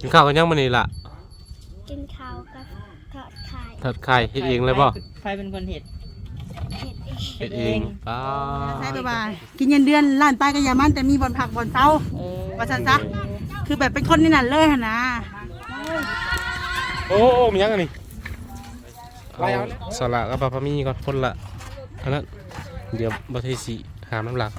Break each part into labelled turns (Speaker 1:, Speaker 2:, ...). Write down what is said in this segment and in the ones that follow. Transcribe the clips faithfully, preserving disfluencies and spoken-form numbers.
Speaker 1: นข้าวกันยังมื้อนี้ล่ะ
Speaker 2: กินข้าวกับทอดไข่
Speaker 1: ทอดไข่เฮ็ดเองเลยบ่
Speaker 3: ใครเป็นคนเฮ็ด
Speaker 2: เห็ดเอง
Speaker 1: เฮ็ดเองป้า
Speaker 4: ใช่ป่ะกินเงินเดือนล้านไปก็อย่ามันแต่มีบ่อนผักบ่อนเซาว่าซั่นซะคือแบบเป็นคนนี่นั่นเลยหั่นนะ
Speaker 1: โอ้โอ้มียังอันนี้เอาสละกับปลาพะมีก่อนคนละอันนั้นเดี๋ยวบ่ได้สิหามน้ำหลัก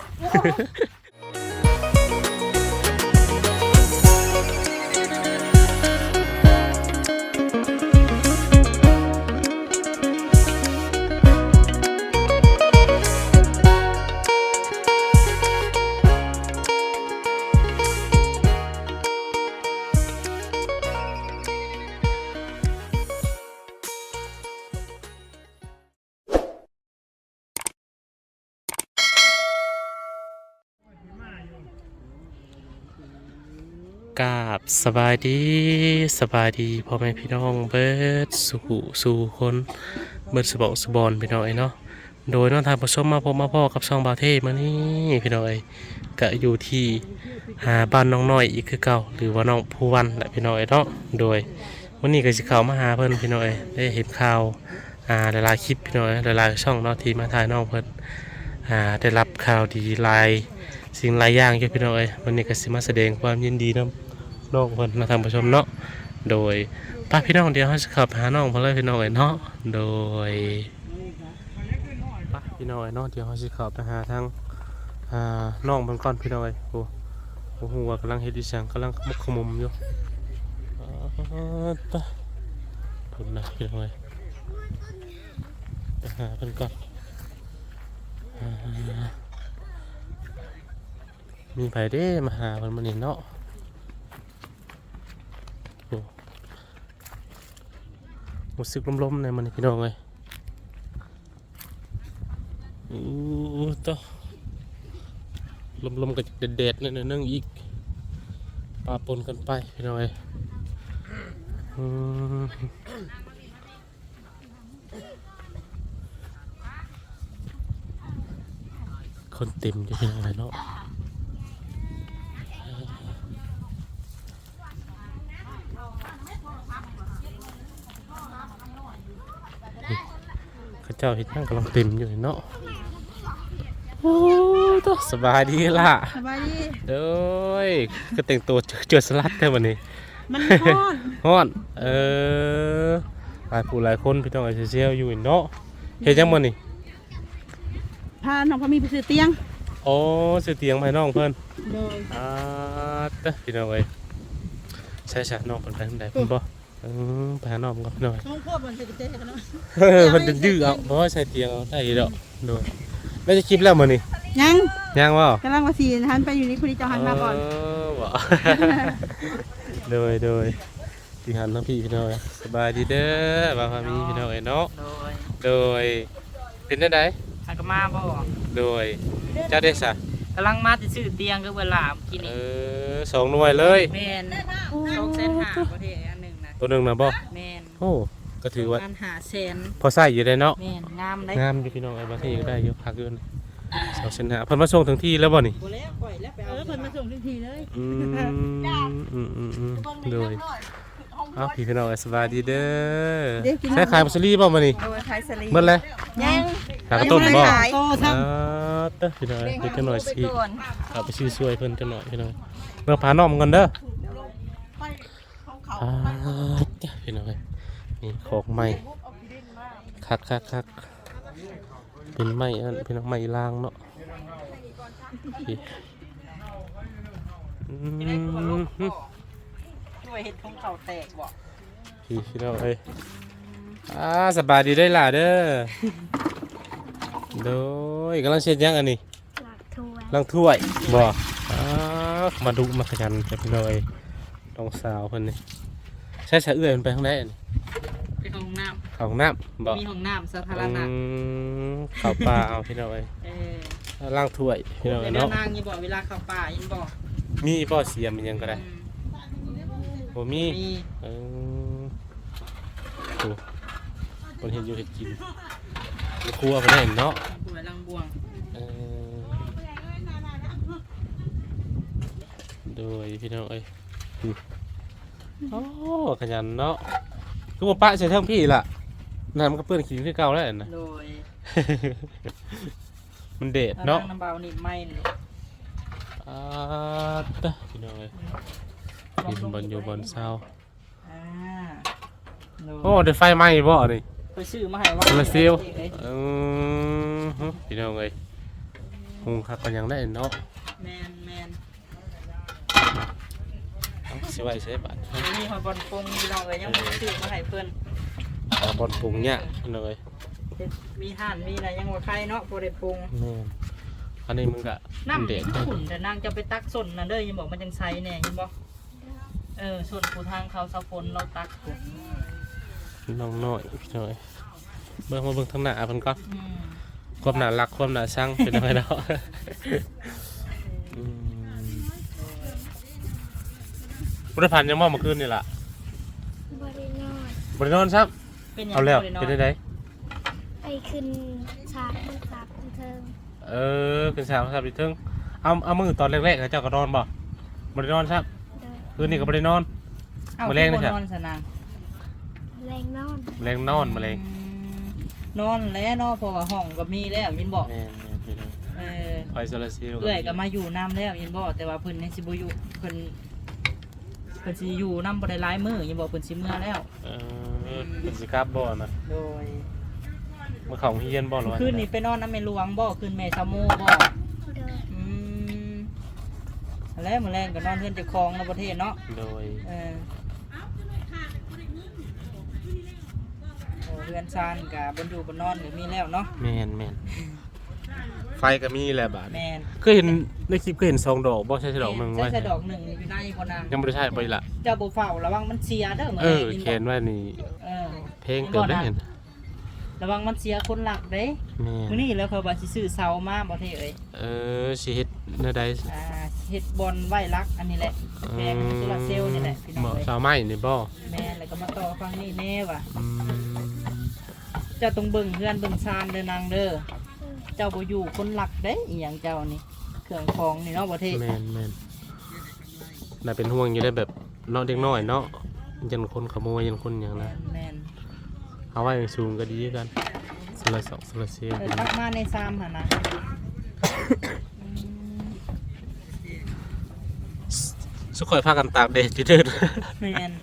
Speaker 1: กราบสบายดีสบายดีพ่อแม่พี่น้องเบิดสู่สู่คนเบิดสบองสบอนพี่น้องเนาะโดยน้องทานผสมมาพบมาพ่อกับช่องบาเทมานี่พี่น้องก็อยู่ที่หาบ้านน้องน้อยอีกคือเก่าหรือว่าน้องผู้วันแหละพี่น้องเนาะโดยวันนี้ก็สิเข้ามาหาเพิ่นพี่น้องได้เห็นข่าวอ่าหลายๆคลิปพี่น้องหลายๆช่องเนาะที่มาถ่ายน้องเพิ่นอ่าได้รับข่าวดีหลายสิ่งหลายอย่างอยู่พี่น้องวันนี้ก็สิมาแสดงความยินดีนำน้องเพิ่นมาทำประชมเนาะโดยป้าพี่น้องเดียวเขาจะขับหาน้องเพิ่นเลยพี่น้องเนาะโดยป้าพี่น้องเนาะเดี๋ยวเขาจะขับไปหาทางอ่าน้องเพิ่นก่อนพี่น้องโอ้โหหัวกำลังเฮ็ดดิฉันกำลังมุกขมุมอยู่ป้าพุ่นนะพี่น้องไปหาเพิ่นก่อนมีไผเด้มาหาเพิ่นมื้อนี้เนาะรู้สึกลมๆในมันพี่น้องเลยอู้ต่อลมๆกับเด็ดๆนั่นนั่งอีกปาปนกันไปพี่น้องเลยคนเต็มอยู่พี่น้องเลยเนาะข้าเจ้าเห็นนั่งกำลังเต็มอยู่เนาะโอ้ตัวสบายดีล่ะ
Speaker 4: สบายดี
Speaker 1: เด้ยก็แต่งตัวเจอสลัดแค่วันนี้
Speaker 4: มันฮ้อน
Speaker 1: ฮ้อนเออหลายผู้หลายคนพี่ต้องไอเชียลอยู่เนาะเห็นยังมันนี่
Speaker 4: พาน้องพามีไปซื้อเตียง
Speaker 1: โอ้ซื้อเตียงให้น้องเพิ่น
Speaker 4: โดย
Speaker 1: อ่าเต้พี่น้องเอ้ยใช่ๆน้องเพิ่นไปทางใดเพิ่นบ่เออไปหาน้องก่อนหน่อย
Speaker 4: น้องพ่อมันจะเจ๊กันเนาะ
Speaker 1: เออมันจะดื้อเอาเพราะว่าใส่เตียงเอาได้ดอกโดยแล้วจะคลิปแล้วมื้อนี้
Speaker 4: ยัง
Speaker 1: ยังบ่
Speaker 4: กำลังว่าสิหันไปอยู่นี่พอดีเจ้าหันมาก่อน
Speaker 1: เออบ่โดยโดยพี่หันทั้งพี่พี่น้องสบายดีเด้อบ่าวพามีพี่น้องเอ้ยเนาะโดยเป็นจังได๋
Speaker 3: หันก็มาบ่
Speaker 1: โดยเจ้าได้ซะ
Speaker 3: กำลังมาจะซื้อเตียงคือเวลากินนี่
Speaker 1: เออสองหน่วยเลย
Speaker 3: แม่นสองแสนห้าประเทศอันนึงนะ
Speaker 1: ตัวนึงน่ะบ่
Speaker 3: แม่น
Speaker 1: โอ้ก็ถือว่า
Speaker 3: ห้าแสน
Speaker 1: พอใช้อยู่ได้เนาะ
Speaker 3: แม่นงามได้
Speaker 1: งามอยู่พี่น้องไอ้บ่ที่ได้อยู่พักอยู่สองแสนห้าเพิ่นมาส่งถึงที่แล้วบ่นี่
Speaker 3: บ่แล้วปล่อยแล้วไปเอา
Speaker 4: เพิ่นมาส่งทันทีเลย
Speaker 1: อืมอืมๆๆโดยอ้าวพี่พี่น้องสบายดีเด้อใช้ขายมัสลีบ่มื้อนี้
Speaker 3: เออขายสลี
Speaker 1: หมดเลย
Speaker 4: ยัง
Speaker 1: ขายต้มบ่
Speaker 4: โตซ้ํ
Speaker 1: อ่าเด้อพี่น้องเดี๋ยวจังหน่อยสิเอาไปซื้อช่วยเพิ่นจังหน่อยพี่น้องเมื่อพาน้องกันเด้ออ่าพี่น้องนี่ของใหม่คักๆๆเป็นไม้อันพี่น้องไม้ลางเนาะอืม
Speaker 3: ด้วยเห็ดของเขาแตกบ่
Speaker 1: พี่พี่น้องเอ้ยอ่าสบายดีได้ล่ะเด้อโดยกำลังเช็ดยังอันนี้ล้างถ้วยบ่อ่ามาดูมาขยันจะพี่น้องเอ้ยน้องสาวเพิ่นนี่ใช้สะเอื้อยมันไปทางไหนอันนี้
Speaker 3: ไปห้องน้ำ
Speaker 1: ห้องน้ำบ่
Speaker 3: มีห้องน้ำสาธารณะ
Speaker 1: เข้าป่าเอาพี่น้องเอ้ยเออล้างถ้วยพี่น้องเนาะ
Speaker 3: นางยังบอกเวลาเข้าป่ายังบอก
Speaker 1: มีบ่เสียมมันยังก็ได้บ่มีเออโอ้คนเห็นอยู่เห็นกินครัวเพิ่นเห็นเนาะ
Speaker 3: ครัวลังบวงเออ
Speaker 1: โดยพี่น้องเอ้ยโอ้ขยันเนาะคือบ่ปะใส่เทิงพี่ล่ะน้ำมันก็เปื้อนขี้คือเก่าแล้วนะ
Speaker 3: โดย
Speaker 1: มันเด็ดเนาะ
Speaker 3: น้ำเบานี่ไม่เลย
Speaker 1: อ่าตะพี่น้องเอ้ยกินบนอยู่บนเสา
Speaker 3: อ่าโดย
Speaker 1: โอ้ได้ไฟไหม้บ่นี่
Speaker 3: ไปซื้อมาให้ว่า
Speaker 1: โซลาร์เซลล์
Speaker 3: เอ้ย
Speaker 1: อือฮึพี่น้องเอ้ยหุงคักกันยังได้เนาะ
Speaker 3: แมนแมน
Speaker 1: เอาสิไว้ใช้บัตร
Speaker 3: นี่หอยบอลปงพี่น้องเอ้ยยังบ่ได้ซื้อมาให้เพิ่น
Speaker 1: เอาบอลปรุงเนี่ยพี่น้องเอ้ย
Speaker 3: เฮ็ดมีห่านมีอะไรยังว่าใครเนาะบ่ได้ปรุง
Speaker 1: แม่นอันนี้มึงก็
Speaker 3: น้ำ
Speaker 1: เด็ด
Speaker 3: ขุ่นแต่นางจะไปตักส้นนั่นเด้อยังบอกมันจังไซแน่ยังบอกเออส่วนผู้ทางเขาสะพนเราตักขุ่น
Speaker 1: น้องน้อยพี่น้องเอ้ยเบิ่งมาเบิ่งทางหน้าเพิ่นก่อน
Speaker 3: อืม
Speaker 1: ความน่ารักความน่าชังเป็นยังไงเนาะอืมบ่ได้ผ่านยังบ่เมื่อคืนนี่ล่ะ
Speaker 2: บริโนอน
Speaker 1: บ่ได้นอนซับ
Speaker 3: เป็นยัง
Speaker 1: เอาแล้ว
Speaker 3: บ่
Speaker 1: เป็น
Speaker 3: ได้
Speaker 1: ได้
Speaker 3: นอน
Speaker 1: ได
Speaker 2: ไปขึ้นฉากบนฉากบันเทิง
Speaker 1: เออเป็นสาวซับอีกเทึงเอาเอามือตอนแรกๆเจ้าก็นอนบ่บ่ได้นอนซับ
Speaker 2: โดย
Speaker 1: คืนนี้ก็บ่ได้นอน
Speaker 3: เอ้า
Speaker 1: มื้อแรกนี่
Speaker 3: บ่
Speaker 1: จ้ะ
Speaker 3: นอนสนาง
Speaker 2: แรงนอน
Speaker 1: แรงนอนมาเลย
Speaker 3: อืมนอนแล้วเนาะเพราะว่าห้องก็มีแล้วยินบอก
Speaker 1: แม่นแม่นพี่น้อง
Speaker 3: เออ
Speaker 1: ไฟโซลาร์เซลล์
Speaker 3: เอื้อยก็มาอยู่น้ำแล้วยินบอกแต่ว่าเพิ่นยังสิบ่อยู่เพิ่นเพิ่นสิอยู่น้ำบ่ได้หลายมื้อยินบอกเพิ่นสิเมื่อแล้ว
Speaker 1: เออเป็นสิกลับบ่นะ
Speaker 3: โดย
Speaker 1: มาเข้าเฮียนบ่หรอวะ
Speaker 3: คืนนี้ไปนอนน้ำแม่หลวงบ่คืนแม่ชะโมบ่
Speaker 2: โดย
Speaker 3: อืมแล้วมื้อแรงก็นอนเพื่อนเจ้าของในประเทศเนาะ
Speaker 1: โดย
Speaker 3: เออโอ้เรือนซานกับบนอยู่บนนอนก็มีแล้วเนาะ
Speaker 1: แม่นแม่นไฟก็มีแหละบาด
Speaker 3: แมน
Speaker 1: เคยเห็นในคลิปเคยเห็นสองดอกบ่ใช่ดอกหนึง
Speaker 3: ใช่
Speaker 1: ไว้
Speaker 3: ใช่ดอกหนึ่งอยู่ในพนาง
Speaker 1: ยังบ่ได้ใช้ไปละ
Speaker 3: เจ้าบ่เฝ้าระวังมันเสียเด้อมื้อ
Speaker 1: เอ
Speaker 3: แร
Speaker 1: อก
Speaker 3: ยิน
Speaker 1: เขี
Speaker 3: บ่
Speaker 1: ยนไว้นี่
Speaker 3: เออ
Speaker 1: เพลงเกิดได้เห็น
Speaker 3: ระวังมันเสียคนหลักเด้
Speaker 1: แม่
Speaker 3: มื้อน นี้แล้วเขาว่าสิซื้อเสามาบ่เท่เอ้ย
Speaker 1: เออสิเฮ็ดแนวใด
Speaker 3: อ่าเฮ็ดบอลไว้รักอันนี้แหละแพงโซลาร์เซลล์นี่แหละพี่น้อง
Speaker 1: บ่
Speaker 3: เอ้ย
Speaker 1: สาวไม้นี่บ่
Speaker 3: แม่นแล้วก็มาต่อฟังนี่แน่ว่ะ
Speaker 1: อืม
Speaker 3: เจ้าต้องเบิ่งเฮือนเบิ่งซานเด้อนางเด้อ เจ้าบ่อยู่คนหลักเด้อีหยังเจ้านี่เครื่องของนี่เนาะบ่เท่
Speaker 1: แม่นแม่นน่าเป็นห่วงอยู่ได้แบบเนาะเด็กน้อยเนาะยันคนขโมยยันคนหยังนะ
Speaker 3: แม่น
Speaker 1: เอาไว้สูงก็ดีกันโซลาร์สองโซลาร์เซลล์
Speaker 3: เออตักมาในซามหั่นนะอืม
Speaker 1: สุขอยพากันตากแดดที่เดิน
Speaker 3: แม่น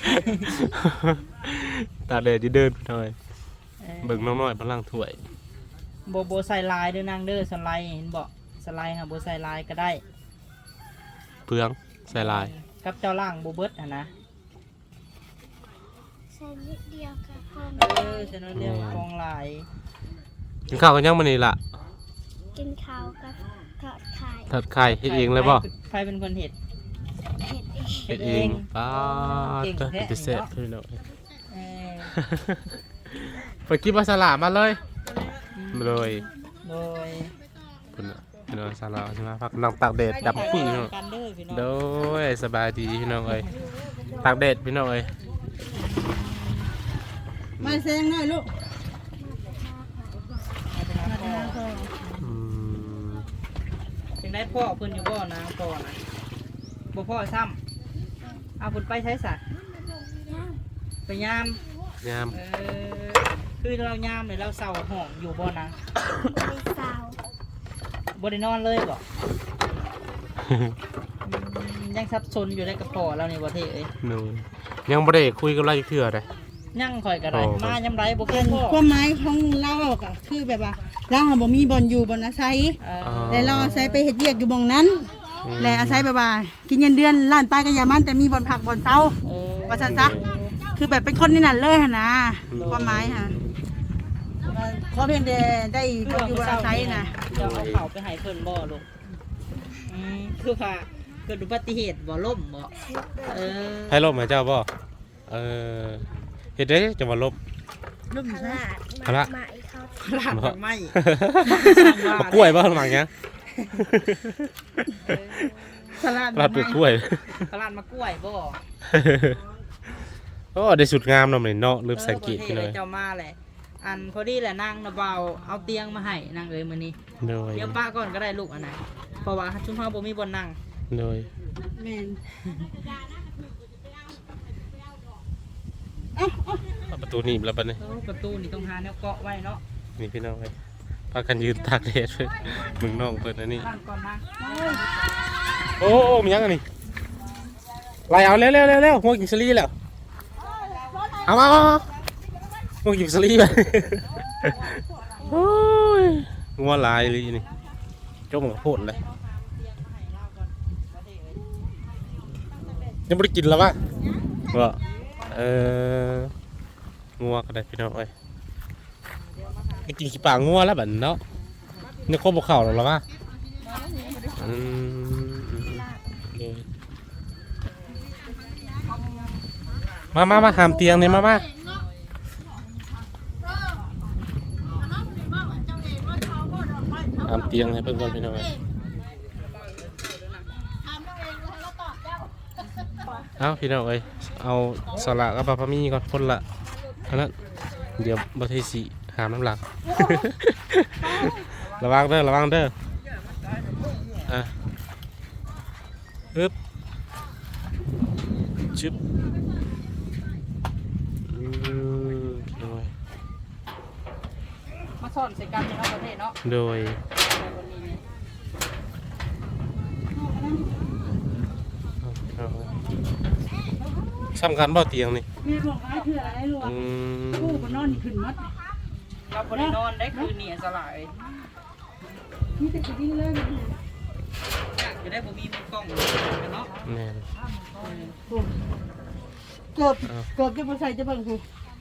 Speaker 1: ตากแดดที่เดินไปหน่อย
Speaker 3: เออ
Speaker 1: เบิ่งน้องน้อยพลังถ้วย
Speaker 3: บ่บ่ใส่ลายเด้อนางเด้อสไลด์เห็นบ่สไลด์ค่ะบ่ใส่ลายก็ได้
Speaker 1: เปลืองใส่ลาย
Speaker 3: กับเจ้าล่างบ่เบิดหั่นนะ
Speaker 2: ใส่นิดเดียวกับพอม
Speaker 3: เออฉะนั้นเรียกว่าของลาย
Speaker 1: กินข้าวกันยังมื้อนี้ล่ะ
Speaker 2: กินข้าวกับทอดไข่
Speaker 1: ทอดไข่เฮ็ดเองเลยบ่
Speaker 3: ใครเป็นคนเฮ็ด
Speaker 2: เห็ดเอง
Speaker 1: เฮ็ดเองป้า
Speaker 3: เก่ง
Speaker 1: ด
Speaker 3: แท้
Speaker 1: เป็นเสร็จพี่น้อง
Speaker 3: เออ
Speaker 1: ไปกินปลาสลามมาเลยเลย
Speaker 3: โดย
Speaker 1: เพิ่นน่ะพี่น้องสลามใช่ไหมพักนั่งตากแดดดำปึ้งพี่น้อง
Speaker 3: กันเด้อพี่น้อง
Speaker 1: โดยสบายดีพี่น้องเอ้ยตากแดดพี่น้องเอ้ย
Speaker 4: มาแซงหน่อยลูก
Speaker 1: อืม
Speaker 3: เป็นได้พ่อเพิ่นอยู่บ่นางพ่อนะบ่พ่อซ้ำเอาเพิ่นไปใช้สัตว์
Speaker 2: ย่าง
Speaker 3: ไปยาม
Speaker 1: ยาม
Speaker 3: เออคือเรายามเลยเราเศร้าห้องอยู่บ่นาง
Speaker 2: ไปสาว
Speaker 3: บ่ได้นอนเลยบ่อืมยังสับสนอยู่ในกระเพาะเรานี่บ่เท่เอ้ย
Speaker 1: หนูยังบ่ได้คุยกับเราอีกเทื่อเลย
Speaker 3: ยังข่อยก็ได้
Speaker 1: โอ้
Speaker 3: มายามไรบ่เคยพ่อ
Speaker 4: ความหมายของเราก็คือแบบว่าเราหาบ่มีบ่อนอยู่บ่อนอาศัย
Speaker 3: เออ
Speaker 4: แต่เราอาศัยไปเฮ็ดเวียกอยู่บ่องนั้น และอาศัยแบบว่ากินเงินเดือนล้านป้ายก็อย่ามันแต่มีบ่อนผักบ่อนเซา
Speaker 3: เออ
Speaker 4: ว่าซั่นซะคือแบบเป็นคนนี่นั่นเลยหั่นนะความหมายค่ะขอเพียงแต่ได้บ่อนอยู่บ่อนอาศัยนะ
Speaker 3: เจะเอาเข่าไปให้เพิ่นบ่ลูกอืมคือว่าเกิดอุบัติเหตุบ่ล่มบ่เออ
Speaker 1: ให้ลบมาเจ้าบ่เออเฮ็ดได้จะมาลบ
Speaker 4: ลูก
Speaker 2: พ
Speaker 4: อยู่
Speaker 2: ลา
Speaker 4: ซะ
Speaker 2: ด
Speaker 1: พละ
Speaker 2: มาอีกเขา
Speaker 3: ลาดดอกไม้
Speaker 1: มากล้วยบ่หลังเนี้ย
Speaker 4: สลัด
Speaker 1: ลาดเปลือกกล้วย
Speaker 3: ตลาดมากล้วยบ่
Speaker 1: โอ้ได้สุดงามเนาะมื้อนี้เนาะลืมสังเกต
Speaker 3: เออ
Speaker 1: พี่
Speaker 3: บ่
Speaker 1: เล
Speaker 3: ท่
Speaker 1: ย
Speaker 3: เจ้ามาแหละอันพอดีแหละนางนะเบาเอาเตียงมาให้นางเอ้ยมื้อนี้
Speaker 1: โดย
Speaker 3: เดี๋ยวป้าก่อนก็ได้ลูกอันไหนเพราะว่าชุมเฮาบ่มีบ่นั่ง
Speaker 1: โดย
Speaker 4: แม่น
Speaker 1: เอาประตูหนีบแล้วบัดนี้
Speaker 3: เออประตูนี่ต้องหาแนวเกาะไว้เนาะ
Speaker 1: นี่พี่น้องเอ้ยพากันยืนตากแดดเพิ่นมึงน้องเพิ่นอันนี้
Speaker 3: นั่งก่อนนะ
Speaker 1: โอ้โอ้มีหยังอันนี้ไล่เอาเร็วเร็วเร็วเร็วหัวกินสลีแล้วเอามาเอามาหัวกินสลีไปโอ้ยงัวลายเลยนี่เจ้าหมูโพดเลยยังไม่ได้กินแล้วปะว่าเอองัวก็ได้พี่น้องเอ้ยไปกินขี้ปลางัวแล้วแบบเนาะนี่ครบบุกเข่าหรอแล้วปะอืมมามามาหามเตียงนี่มามาหามเตียงให้เพื่อนก่อนพี่น้องเอ้ยเอาพี่น้องเอ้ยเอาสละกับปลาพะมี่ก่อนคนละอันนั้นเดี๋ยวบัตรสีหามน้ำหลัก ระวังเด้อระวังเด้ออ่ะอึ๊บชึบอืมโดย
Speaker 3: มาซ่อนใส่กันในนอกประเทศเนาะ
Speaker 1: โดย
Speaker 3: วันนี้เนี่ย
Speaker 1: เอาเอาสำคัญบ่เตียงนี่
Speaker 4: แม่บอกว่าคืออะไรลูก
Speaker 1: อืม
Speaker 4: ลูกมันนอนขึ้นมัด
Speaker 3: เราบ่ได้นอนได้คืนนี้สลาย
Speaker 4: มีแต่กินเลย
Speaker 3: อยากจะได้บ่มีมือกล้องเนาะ
Speaker 1: แม่น
Speaker 4: เกือบเกือบจะมาใส่จะบังหู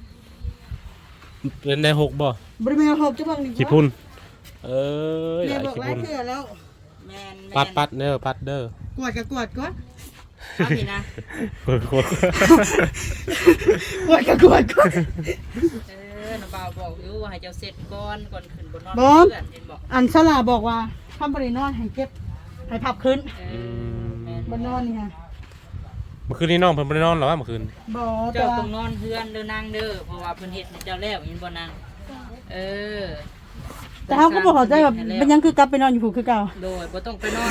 Speaker 1: เป็นได้หกบ่
Speaker 4: บริเวณหอบจะบังนี่
Speaker 1: ขี้พุ่นเอ้ยห
Speaker 4: แม่
Speaker 1: ลาย
Speaker 4: บอก
Speaker 1: ขี้
Speaker 4: ว่า
Speaker 1: พุ่น
Speaker 4: เชื่อแล้ว
Speaker 3: แม่น
Speaker 1: ปัดปัดเด้อปัดเด้อก
Speaker 4: วดกับกวดก่อน
Speaker 3: เอาพี่นะ
Speaker 1: โคตรโคตร
Speaker 4: กวดกับกวดก่อน
Speaker 3: เออน้าบ่าวบอกอยู่ว่าให้เจ้าเสร็จก่อนก่อนขึ้นบนนอน
Speaker 4: บอม
Speaker 3: เพื่อนเห็นบอก
Speaker 4: อันสลาบอกว่าทำบริโนอนให้เก็บให้พับขึ้น
Speaker 3: เออแม่น
Speaker 4: บนนอนนี่ฮะ
Speaker 1: เมื่อคืนนี้น้องเพิ่นบ่ได้นอนหรอวะเมื่อคืน
Speaker 4: บอแต่
Speaker 3: เจ้า
Speaker 4: ว่า
Speaker 3: ต้องนอนเพื่อนเด้อนางเด้อเพราะว่าเพิ่นเฮ็ดให้เจ้าแล้วเห็นบ่นางเออ
Speaker 4: แต่เขาก็บอกเขาใจแบบเป็นยังคือกลับไปนอนอยู่ผูคือเก่า
Speaker 3: โดยบ่ต้องไปนอน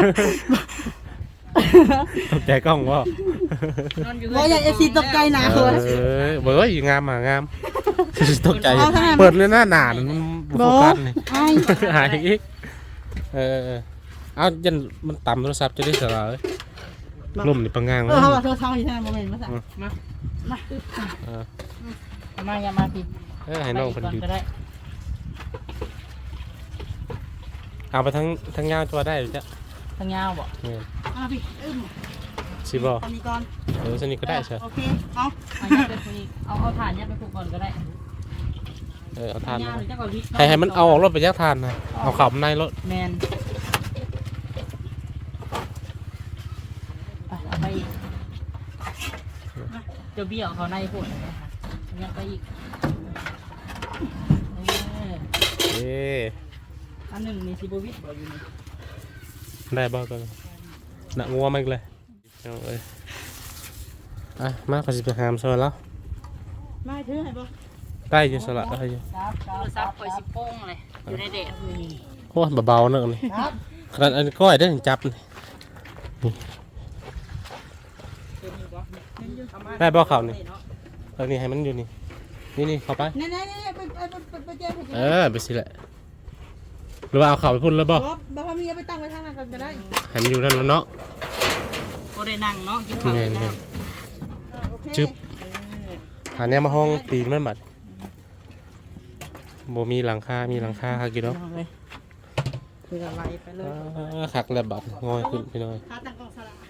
Speaker 1: ตกใจกล้องบ่
Speaker 3: นอนอยู่
Speaker 4: บอกอย่าเอฟซีตกใจนะ
Speaker 1: เอ
Speaker 4: เขาว่า
Speaker 1: อเบ้ยงามอ่ะงาม ตกใจเปิดเลยหน้าหนามัน
Speaker 4: บ
Speaker 1: โฟ
Speaker 4: อ
Speaker 1: กัสนี่
Speaker 4: ไอ้
Speaker 1: หายอีกเออเอายันมันต่ำโทรศัพท์จะได้สลายลมนี่ปังงาง
Speaker 4: เอ
Speaker 1: เลย
Speaker 4: อเขาบอกเธอทำอยู่ใช่ไหมโมเมนต์มาสั่ง
Speaker 3: มา
Speaker 4: มา
Speaker 1: เออ
Speaker 3: เอามาอย่ามาพี่
Speaker 1: เออให้น้องเพิ่น
Speaker 3: ไป
Speaker 1: ดู
Speaker 3: กก็ได้
Speaker 1: เอาไปทั้งทั้งยาวตัวได้หรือจ๊ะ
Speaker 3: ทางยาวบ่
Speaker 1: เนี่ย
Speaker 4: อ่ะพี่อึ้ม
Speaker 1: สิบ่
Speaker 4: ตอนนี้ก่อน
Speaker 1: เออสนิทก็ได้ใช่
Speaker 4: โอเคเอา
Speaker 3: เอายัดไปคุยเอาเอาถ่านยัดไปผูกก่อนก็ได้
Speaker 1: เออเอาทาน
Speaker 3: ยาว
Speaker 1: มา
Speaker 3: หรือจะก่อนวิทย์
Speaker 1: ให้ให้มันเอาออกรถไปยักทานนะเอาขับในรถ
Speaker 3: แมนไปเอาไปอีกเจ้าเบี้ยวเขาในพุ่นยัดไปอีกเออ
Speaker 1: เอ๊ะ
Speaker 3: อันหนึ่งมีซิโบวิทบอกอยู่นี่
Speaker 1: ได้บ่ก็หนักงัวมันเลยเอาเอ้ยอ่ะมาขอสิไปหามซอยแล้ว
Speaker 4: ไม่ถือให้บ่
Speaker 1: ได้อยู่สละได้อยู่
Speaker 3: โทรศัพท์คอยสิโป้งเลยอยู่ในเด็ด
Speaker 1: โอ้ยเบาๆเนอะนี่ขนาดอันก้อยได้ถึงจับนี่ได้บ่เข่านี่เออนี่ให้มันอยู่นี่นี่นี่เข้าไป
Speaker 4: นี่นี่นี่ไปไปไปไปเจอไปเจ
Speaker 1: เอ
Speaker 4: อ
Speaker 1: อไปสิแหละหรือว่าเอาเข่าไปพุ่นแล้วบ่
Speaker 4: บอกบอกว่ามีเอาไปตั้งไว้ทางนั้นก็ได้
Speaker 1: ให้มันอยู่นั่นแล้วเนาะ
Speaker 3: โอได้นั่งเนาะกินข้าว
Speaker 1: แม่
Speaker 3: ได้
Speaker 1: น
Speaker 3: แล้ว
Speaker 4: โอเค
Speaker 1: จึ๊บหาแนวมาห้องตีนมันบัดบ่มีหลังคามีหลังคาค่ะกี่เนาะ
Speaker 3: คืออะไรไปเลย
Speaker 1: อ่าคักแล้วบัดงอยขึ้นพี่น้อย
Speaker 4: ขาตั้งกองสลาก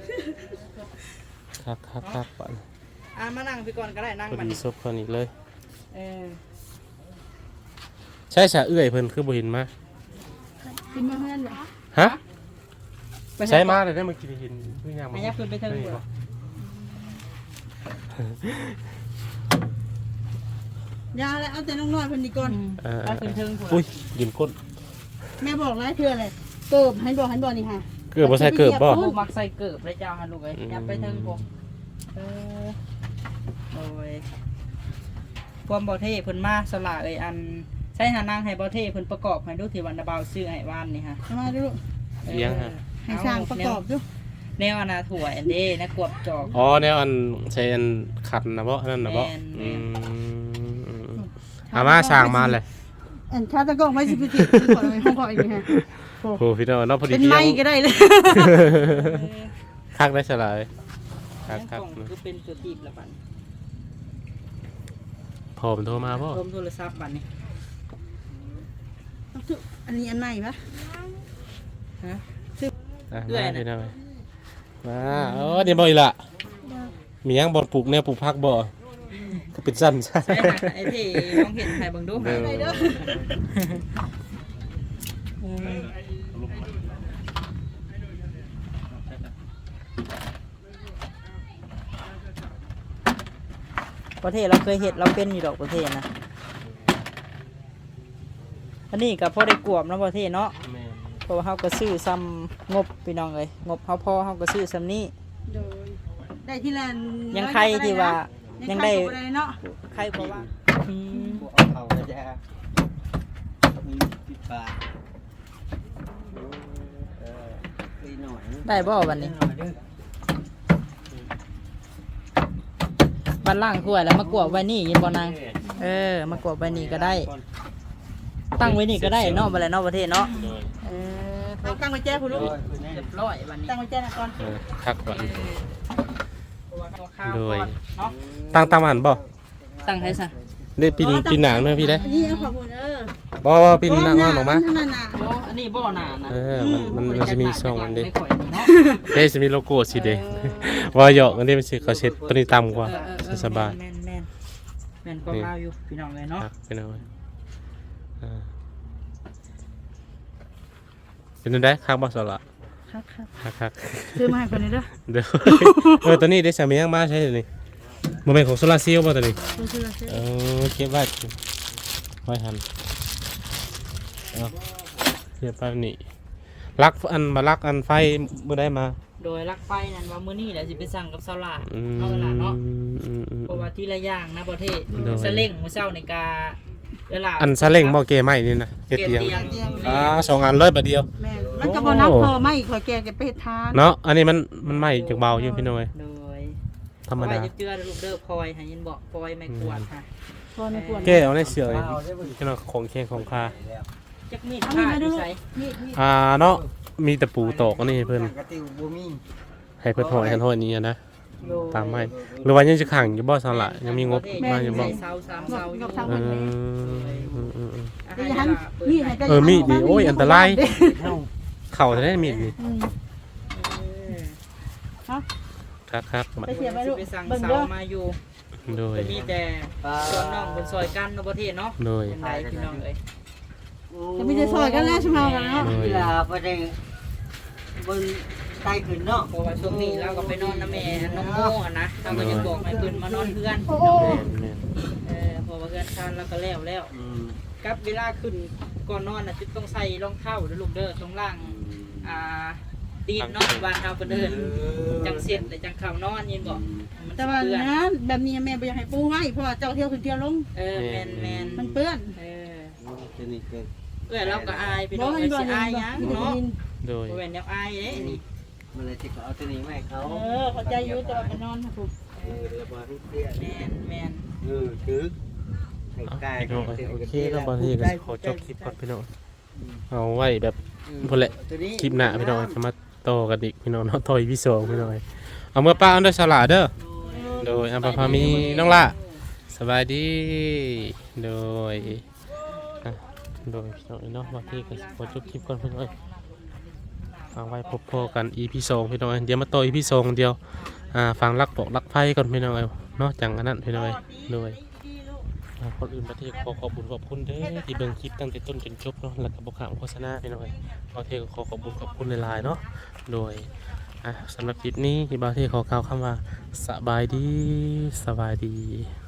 Speaker 1: คักคักคักบัด
Speaker 3: อ่ะมานั่งพี่ก่อนก็ได้นั่ง
Speaker 1: พอ
Speaker 3: มัน
Speaker 1: ดีซบคนอีกเลย
Speaker 3: เออ
Speaker 1: ใช่สะเอื้อยเพิ่นคือบ่เห็นมา
Speaker 4: กินมาเพื่อนเหรอ
Speaker 1: ฮะใช้มาเลยได้มากินเห็นเพิ่งย่างมา
Speaker 3: ให้ยับขึ้นไปเทิงหัว
Speaker 4: ยาแล้วเอาแต่น้องน้อยเพิ่นดีก่อน
Speaker 1: เออ
Speaker 3: ไปขึ้นเทิงหัว
Speaker 1: อุ้ยยินก้น
Speaker 4: แม่บอกหลายเทื่อเลยเกิบให้บอกให้บอกนี่ค่ะ
Speaker 1: เกือบบ่ใส่เกือบบ่
Speaker 3: ลูกมักใส่เกิบเลยเจ้าฮันลูกเอ้ย
Speaker 1: อืม
Speaker 3: ยับไปเทิงผมเออโอ้ยความบ่เท่เพิ่นมาสละเอ้ยอันใช้หานั่งให้บ่เท่เพิ่นประกอบให้ดูที่วันนาบาวซื้อให้ว่านนี่ฮะ
Speaker 4: เอามาดูลูก
Speaker 1: เลี้ยงฮะ
Speaker 4: ให้สร้างประกอบดู
Speaker 3: แนวอนาถั่วอันเด้นะกวบจอก
Speaker 1: อ๋อแนวอันใช้อันขัดนะบ่อันนั้นนะบ่
Speaker 3: แม่น
Speaker 1: อืมอามาสร้างมาเลย
Speaker 4: อันชาตะกล้องไม่สิพิจิตรขอเลยห้องขออีกฮะ
Speaker 1: โอ้พี่น้องเนาะพอดี
Speaker 4: เป็น
Speaker 1: ที่
Speaker 4: ไม้
Speaker 1: ยัง
Speaker 4: ก็ได้เลย
Speaker 1: คักได้สลายคัก
Speaker 3: นั่น
Speaker 1: คัก
Speaker 3: กล่องคือเป็นตัวตีบละบัด
Speaker 1: พอมันโทรมาบ่
Speaker 3: รวมโทรศัพท์บัดนี้
Speaker 4: อันนี้อันใหม่ปะ
Speaker 3: ฮะ
Speaker 1: อ่ะ
Speaker 3: เอื้อย
Speaker 1: มา
Speaker 3: น่ะ
Speaker 1: พี่น้องมาเออเดี๋ยวบ่อีกละมีหยังบ่ปลูกแนวปลูกผักบ่ก็เป็นสั้นซะ
Speaker 3: ใช่ค่ะไอ้ที่ลองเห็นใครเบิ่งดูค่ะ
Speaker 4: ไปเด้อ
Speaker 3: อืมประเทศเราเคยเห็ดเราเป็นอยู่ดอกประเทศนะอันนี้กับพ่อได้กวมแล้วประเทศเนาะ
Speaker 1: แม่น
Speaker 3: เพราะว่าเขาก็ซื้อซ้ำงบพี่น้องเลยงบเขาพอเขาก็ซื้อซ้ำนี้
Speaker 4: โดยได้ที่ละ
Speaker 3: ยังใครที่ว่ายังได้
Speaker 4: ยังได้เนาะ
Speaker 3: ใครเพราะว่าอืม
Speaker 5: เอาเขาจะมีสิบบาทเออตีหน่อย
Speaker 3: ได้บ่วันนี้
Speaker 5: หน่อยเด้อ
Speaker 3: บันล่างถ้วยแล้วมากวบไว้นี่ยินบ่นางเออมากวบไว้นี่ก็ได้ ตั้งไว้นี่ก็ได้เนาะบัดแล้วเนาะประเทศเนาะ
Speaker 1: โดย
Speaker 3: เออ
Speaker 4: เอาตั้งไว้แจ้คุณลูก
Speaker 3: เรียบร้อยวันนี้
Speaker 4: ตั้งไว้แจ้นะก่อน
Speaker 1: เออคักก่อน โดย
Speaker 3: เนาะ
Speaker 1: ตั้งตามหันบ่
Speaker 3: ตั้งให้ซะ
Speaker 1: ได้ปีนปีนหนังเด้อพี่ได้
Speaker 4: อันนี้เอาขอบคุณเออ
Speaker 1: บ่บ่ปีนหนังมาออกมา
Speaker 4: เท่นั้นน่ะ
Speaker 3: โอ้อันนี้บ่อนานะ
Speaker 1: เออมันมันมันจะมีช่องอันเด้
Speaker 3: ไม่ค่อยนี่เนาะ
Speaker 1: เด้จะมีโลโก้สีแดงว่าหยอกอันนี้มันสิเขาเช็ดตัวนี้ต่ำกว่า
Speaker 3: เออเออเออ
Speaker 1: สบาย
Speaker 3: แม่นแม่นแม่นก็ลาวอยู่พี่น้องเลยเนาะ
Speaker 1: ครับเป็นเอาไว้อ่าเป็นจังได๋คักบ่สละ
Speaker 4: ครับครับ
Speaker 1: คักคัก
Speaker 4: ซื้อมาให้คนนี้เด้อ
Speaker 1: เดี๋ยวเออตัวนี้ได้สามียังมาใช่นี่บ่แม่นของโซลาร์เซลล์บ่ตัวนี้
Speaker 4: ซื้อละซื้อ
Speaker 1: เออเก็บไว้ไว้หันเอาเก็บไปนี่ลักอันมาลักอันไฟมื้อใดมา
Speaker 3: โดยลักไฟนั่นว่ามื้อนี้แหละสิไปสั่งกับเซาลา
Speaker 1: อืม
Speaker 3: เอาเวลาเนาะ
Speaker 1: อืมอืม
Speaker 3: เพราะว่าที่ละอย่างนะประเทศ
Speaker 1: โดย
Speaker 3: สเล้งมื้อเช้าในกาเวลา
Speaker 1: อันซาเล้งบ่เกไม้นี่นะเก
Speaker 3: เก็บ
Speaker 1: เตียง
Speaker 3: เตียง
Speaker 1: อ่าสองอันเลยบัดเดียว
Speaker 4: แม่นมันก็บ่นับพอไม่ขอยแกแกไปเฮ็ดทาน
Speaker 1: เนาะอันนี้มันมันไหม้จากเบาอยู่พี่น้อย
Speaker 3: โดย
Speaker 1: ธรรมดา
Speaker 3: เอไว้เจือๆลูกเด้อพลอยให้ยินบอกพลอยไม่กวาดค่ะ
Speaker 4: พอในควร
Speaker 1: แก้เอาในเสือเลยพี่น้อยของแข็งของคา
Speaker 3: จักมีด
Speaker 4: เอา
Speaker 3: ผ้า
Speaker 4: มีดมา
Speaker 3: อ
Speaker 4: ดู
Speaker 3: ยู่
Speaker 4: ลูก
Speaker 3: ไส
Speaker 4: มีดมีด
Speaker 1: อ่าเนาะมีแต่ปูตอกอันนี้ให้เพิ่น
Speaker 5: กระติวบูมี่
Speaker 1: ให้เพิ่นหอยหันหอยนี้อะนะ
Speaker 3: โดย
Speaker 1: ตามไม้หรือว่ายังจะขังอยู่บ่สละยังมีงบมาอยู่บ่
Speaker 3: ใส่เสาสามเสาอยู่
Speaker 1: เอออืมอืมอืม
Speaker 3: อา
Speaker 4: แต่
Speaker 3: หาร
Speaker 4: ยั
Speaker 3: เวน ลาเปิด
Speaker 4: มีดให้แต่
Speaker 1: เออมีดนี่โอ้ยอันตราย
Speaker 5: เท่า
Speaker 1: เข่าจะได้มีดนี่
Speaker 4: อืม
Speaker 3: เออ
Speaker 1: ครับครับมา
Speaker 4: ไปเสียไปลูก
Speaker 3: ไปสั่ง
Speaker 4: เบิ่ง
Speaker 3: เสา
Speaker 4: เด้อ
Speaker 3: มาอยู่
Speaker 1: โดย
Speaker 3: จะมีแต่ส่วนน้องบนซอยกันในประเทศเนาะ
Speaker 1: โดย
Speaker 3: เป็นไรพี่น้องเอ้ย
Speaker 4: จะมีแต่ซอยกันแล้วใช่ไหมกันเนาะ
Speaker 1: โดย
Speaker 5: เวลาไปได้บนใต้ขึ้นเนาะ
Speaker 3: เพราะว่าช่วงนี้เราก็ไปนอนน้ำแม่น้องโม่อะนะเราก็จะบอกให้เพิ่นมานอนเพื่อน
Speaker 1: แม่นแม่น
Speaker 3: เออเพอว่าเพื่อนทานเราก็แล้วแล้ว
Speaker 5: อืม
Speaker 3: กับเวลาขึ้นก่อนนอนน่ะจะต้องใส่รองเท้าเด้อลูกเด้อตรงล่างอ่าตีนเนาะบ้านเราเพิ่นเดินจังเสร็จเลยจังเข้านอนยินบอกมัน
Speaker 4: แต่
Speaker 3: สิ
Speaker 4: ว่า
Speaker 3: เปื้อน
Speaker 4: นะแบบนี้แม่บ่อยากให้ปูไว้เพราะว่าเจ้าเที่ยวขึ้นเที่ยวลง
Speaker 3: เออแมนแมน
Speaker 4: มันเปื้อน
Speaker 3: เออ
Speaker 5: ตัวนี้เกิน
Speaker 3: เพื่อนเราก็อายพี่
Speaker 4: บ่
Speaker 3: น้อง
Speaker 4: ให้
Speaker 3: เอ้ย
Speaker 4: บ่
Speaker 3: สิ
Speaker 4: ให้
Speaker 3: อายห
Speaker 4: บ่
Speaker 3: ยัง
Speaker 4: ให้
Speaker 3: เนาะ
Speaker 4: กิน
Speaker 1: โดย
Speaker 3: บ่แม่นแนวอายเด้นี่
Speaker 5: มันเลยจะเอาตัวนี้มาให้เขา
Speaker 4: เออเข้าใจอยู่แต่ว่าไปนอนนะครู
Speaker 5: เออระบายให้เตี้ย
Speaker 3: แมนแมน
Speaker 5: เออถือให้
Speaker 1: เอา
Speaker 5: กาย
Speaker 1: พี่น้องโอเคก็บางทีก็ขอจบคลิปก่อนพี่น้องเอาไว้แบบพุ่นแหละ
Speaker 5: ตัวนี้
Speaker 1: คลิปหน้าพี่น้องจะมาต่อกันอีกพี่น้องเนาะต่ออีพีสองพี่น้องเอาเมื่อป้าอันเดอร์สลาเด้อโดยอัมพาพามีน้องละสบายดีโดยอ่ะโดยพี่น้องเนาะบางทีก็ขอจบคลิปก่อนพี่น้องเอาไว้พบพอกันอีพีสองพี่น้องเดี๋ยวมาต่ออีพีสองเดียวอ่าฟังรักปอกรักไฟก่อนพี่น้องเนาะจังอันนั้นพี่น้องโดย อ่าคนอื่นประเทศขอขอบคุณขอบคุณเด้อที่เบิ่งคลิปตั้งแต่ต้นจนจบเนาะแล้วก็บ่ขามโฆษณาไปหน่อยประเทศก็ขอขอบคุณขอบคุณหลายๆเนาะโดยอ่ะสำหรับคลิปนี้ที่บางเทศขอกล่าวคำว่าสบายดีสบายดี